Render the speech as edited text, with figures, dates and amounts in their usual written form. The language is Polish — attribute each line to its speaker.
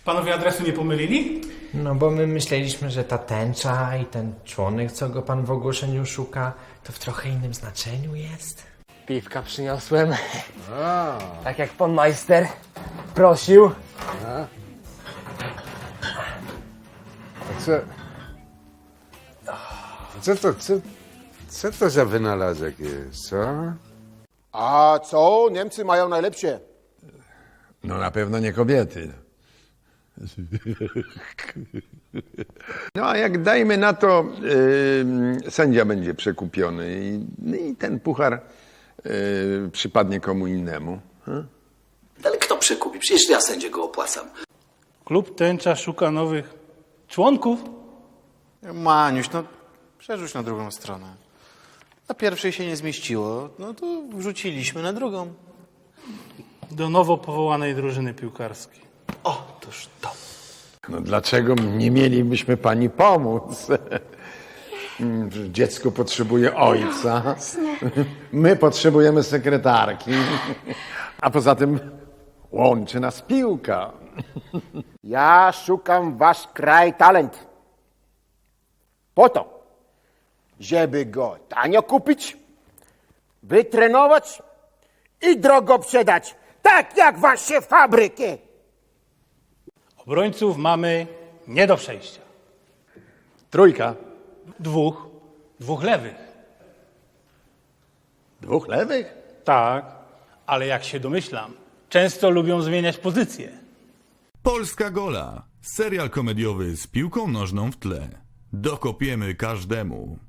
Speaker 1: Panowie adresu nie pomylili?
Speaker 2: No bo my myśleliśmy, że ta tęcza i ten członek, co go pan w ogłoszeniu szuka, to w trochę innym znaczeniu jest.
Speaker 3: Piwka przyniosłem. Tak jak pan majster prosił.
Speaker 4: Co to za wynalazek jest, co?
Speaker 5: A co? Niemcy mają najlepsze.
Speaker 4: No na pewno nie kobiety. No a jak dajmy na to, sędzia będzie przekupiony i ten puchar przypadnie komu innemu.
Speaker 6: Ale kto przekupi? Przecież ja sędziego opłacam.
Speaker 1: Klub Tęcza szuka nowych członków?
Speaker 7: Maniuś, no przerzuć na drugą stronę. Na pierwszej się nie zmieściło, no to wrzuciliśmy na drugą.
Speaker 1: Do nowo powołanej drużyny piłkarskiej.
Speaker 7: Otóż to.
Speaker 4: No dlaczego nie mielibyśmy pani pomóc? Dziecko potrzebuje ojca. My potrzebujemy sekretarki. A poza tym łączy nas piłka.
Speaker 5: Ja szukam wasz kraj talent. Po to, żeby go tanio kupić, wytrenować i drogo sprzedać. Tak jak wasze fabryki.
Speaker 1: Obrońców mamy nie do przejścia.
Speaker 4: Trójka.
Speaker 1: Dwóch lewych.
Speaker 4: Dwóch lewych?
Speaker 1: Tak, ale jak się domyślam, często lubią zmieniać pozycje.
Speaker 8: Polska Gola. Serial komediowy z piłką nożną w tle. Dokopiemy każdemu.